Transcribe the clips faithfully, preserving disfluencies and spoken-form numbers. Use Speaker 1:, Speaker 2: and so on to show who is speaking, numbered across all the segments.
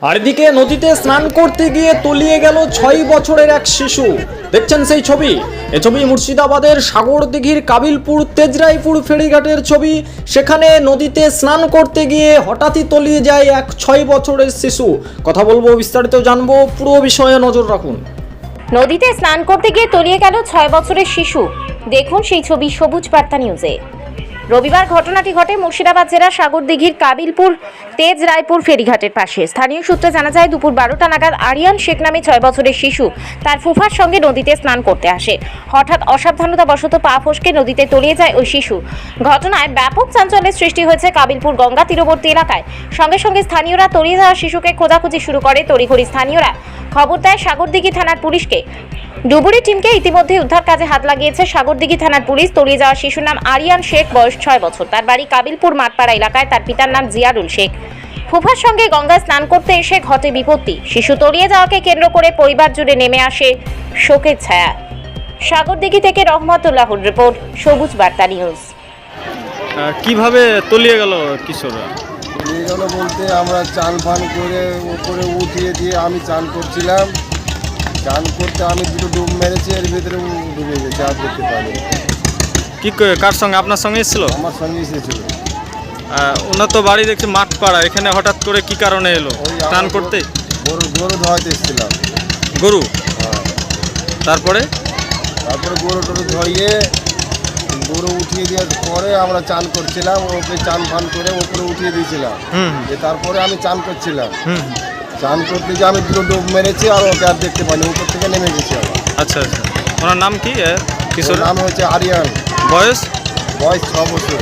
Speaker 1: আর এদিকে নদীতে স্নান করতে গিয়ে তলিয়ে গেল ছয় বছরের এক শিশু। দেখছেন সেই ছবি। এই ছবি মুর্শিদাবাদের সাগরদিঘির কাবিলপুর তেজরাইপুর ফেরিঘাটের ছবি। সেখানে নদীতে স্নান করতে গিয়ে হঠাৎই তলিয়ে যায় এক ছয় বছরের শিশু। কথা বলবো, বিস্তারিত জানবো, পুরো বিষয়ে নজর রাখুন।
Speaker 2: নদীতে স্নান করতে গিয়ে তলিয়ে গেল ছয় বছরের শিশু। দেখুন সেই ছবি সবুজ বার্তা নিউজে। রবিবার ঘটনাটি ঘটে মুর্শিদাবাদ জেলার সাগরদিঘির কাবিলপুর তেজরাইপুর ফেরিঘাটের পাশে। স্থানীয় সূত্রে জানা যায়, দুপুর বারোটা নাগাদ আরিয়ান শেখ নামে ছয় বছরের শিশু তার ফুফার সঙ্গে নদীতে স্নান করতে আসে। হঠাৎ অসাবধানতাবশত পা ফসকে নদীতে তলিয়ে যায় ওই শিশু। ঘটনায় ব্যাপক চাঞ্চল্যের সৃষ্টি হয়েছে কাবিলপুর গঙ্গা তীরবর্তী এলাকায়। সঙ্গে সঙ্গে স্থানীয়রা তলিয়ে যাওয়া শিশুকে খোঁজাখুঁজি শুরু করে। তড়িঘড়ি স্থানীয়রা খবর দেয় সাগরদিঘি থানার পুলিশকে। ডুবুরি টিমকে ইতিমধ্যে উদ্ধার কাজে হাত লাগিয়েছে সাগরদিঘি থানার পুলিশ। তলিয়ে যাওয়া শিশুর নাম আরিয়ান শেখ, বয়স ছয় বছর। তার বাড়ি কাবিলপুর মাঠপাড়া এলাকায়। তার পিতার নাম জিয়ারুল শেখ। ফুফার সঙ্গে গঙ্গায় স্নান করতে এসে ঘটে বিপত্তি। শিশু তলিয়ে যাওয়াকে কেন্দ্র করে পরিবার জুড়ে নেমে আসে শোকের ছায়া। সাগরদিঘি থেকে রহমতুল্লাহর রিপোর্ট, সবুজ বার্তা নিউজ।
Speaker 3: কিভাবে তলিয়ে গেল কিশোররা?
Speaker 4: তলিয়ে গেল বলতে, আমরা চান ফান করে উপরে উঠিয়ে দিয়ে আমি চান করছিলাম। চান করতে আমি দুটো ডুব মেরেছি, এর ভিতরে ও ডুবে গেছে, আর দেখতে পাইনি।
Speaker 3: কি করে, কার সঙ্গে? আপনার সঙ্গে এসেছিল?
Speaker 4: আমার সঙ্গে এসেছিল।
Speaker 3: ওনার তো বাড়ি দেখছি মাঠপাড়া, এখানে হঠাৎ করে কি কারণে এলো? স্নান করতে?
Speaker 4: গরু গরু ধোয়াইতে এসেছিলাম।
Speaker 3: গরু?
Speaker 4: হ্যাঁ।
Speaker 3: তারপরে
Speaker 4: তারপরে গরু টরু ধরিয়ে গরু উঠিয়ে দেওয়ার পরে আমরা চান করছিলাম। ওকে চান ফান করে ওপরে উঠিয়ে দিয়েছিলাম।
Speaker 3: হুম
Speaker 4: যে তারপরে আমি চান করছিলাম।
Speaker 3: হুম
Speaker 4: চান করতে যে আমি দুটো ডুব মেরেছি, আর ওকে আর দেখতে পাইনি, উপর থেকে নেমে গেছি আবার।
Speaker 3: আচ্ছা আচ্ছা। ওনার নাম কি কিশোর?
Speaker 4: নাম হচ্ছে আরিয়ান,
Speaker 3: বয়স?
Speaker 4: বয়স ছ বছর।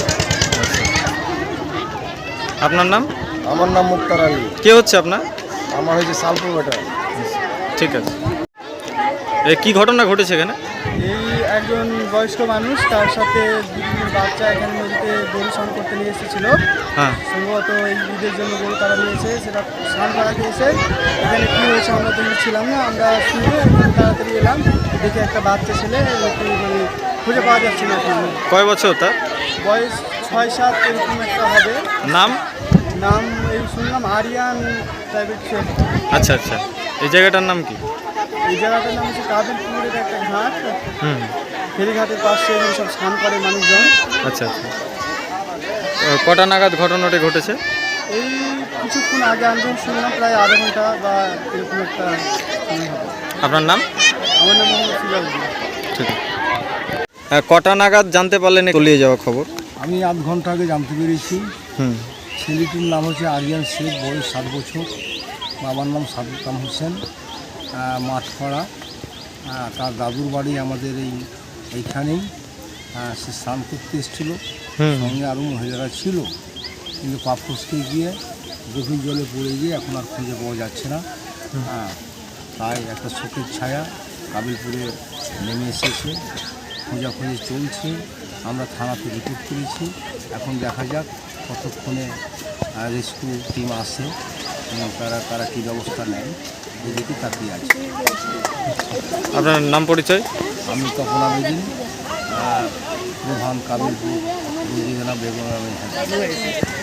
Speaker 3: আপনার নাম?
Speaker 4: আমার নাম মুক্তার আলী।
Speaker 3: কে হচ্ছে আপনার?
Speaker 4: আমার হয়েছে সালপুর বেটা।
Speaker 3: ঠিক আছে। এ কি ঘটনা ঘটেছে এখানে?
Speaker 5: এই একজন বয়স্ক মানুষ, তার সাথে দুদিনের বাচ্চা এখানে নদীতে গরু স্নান করতে নিয়ে এসেছিল।
Speaker 3: হ্যাঁ।
Speaker 5: সম্ভবত এই ঈদের জন্য গরু তারা নিয়েছে, সেটা স্নান করাতে এসে এখানে কী হয়েছে আমরা তো ছিলাম না। আমরা শুনে এখানে তাড়াতাড়ি এলাম, দেখে একটা বাচ্চা ছেলে, একটু মানে খুঁজে পাওয়া যাচ্ছে না।
Speaker 3: কয় বছর তার?
Speaker 5: বয়স ছয় সাত এরকম একটা হবে।
Speaker 3: নাম?
Speaker 5: নাম এই শুনলাম আরিয়ান প্রাইভেট শেখ।
Speaker 3: আচ্ছা আচ্ছা। এই জায়গাটার নাম কি?
Speaker 5: এই জায়গাটার নাম হচ্ছে কাবিলপুরের একটা ঘাট।
Speaker 3: হুম।
Speaker 5: ফেরিঘাটের পাশে এখানে সব স্নান করে মানুষজন।
Speaker 3: আচ্ছা আচ্ছা। কটা নাগাদ ঘটনাটি ঘটেছে?
Speaker 5: এই কিছুক্ষণ আগে আমি যখন শুনলাম, প্রায় আধা ঘন্টা বা এরকম একটা সময় হবে।
Speaker 3: আপনার নাম?
Speaker 5: আমার নাম মোহাম্মদ সিরাজুদ্দিন।
Speaker 3: ঠিক আছে। কটা নাগাদ জানতে পারলেন তলিয়ে যাওয়া খবর?
Speaker 4: আমি আধ ঘন্টা আগে জানতে পেরেছি।
Speaker 3: হুম।
Speaker 4: ছেলেটির নাম হচ্ছে আরিয়ান শেখ, বয়স সাত বছর। বাবার নাম সাদুকাম হোসেন, মাঠপাড়া। তার দাদুর বাড়ি আমাদের এই এইখানেই। সে স্নান করতে এসেছিলো, সঙ্গে আরও মহিলারা ছিল, কিন্তু পা ফসকে গিয়ে গভীর জলে পড়ে গিয়ে এখন আর খুঁজে পাওয়া যাচ্ছে না। হ্যাঁ, তাই একটা শোকের ছায়া কাবিলপুরে নেমে এসেছে। খোঁজাখুঁজি চলছে, আমরা থানাতে রিপোর্ট করেছি। এখন দেখা যাক কতক্ষণে রেস্কিউ টিম আসে এবং তারা তারা কী ব্যবস্থা নেয়, এদিকে তাকিয়ে আছে।
Speaker 3: আপনার নাম, পরিচয়?
Speaker 4: আমি তখন আবেদিন, প্রধান কাবিলপুর বেগম।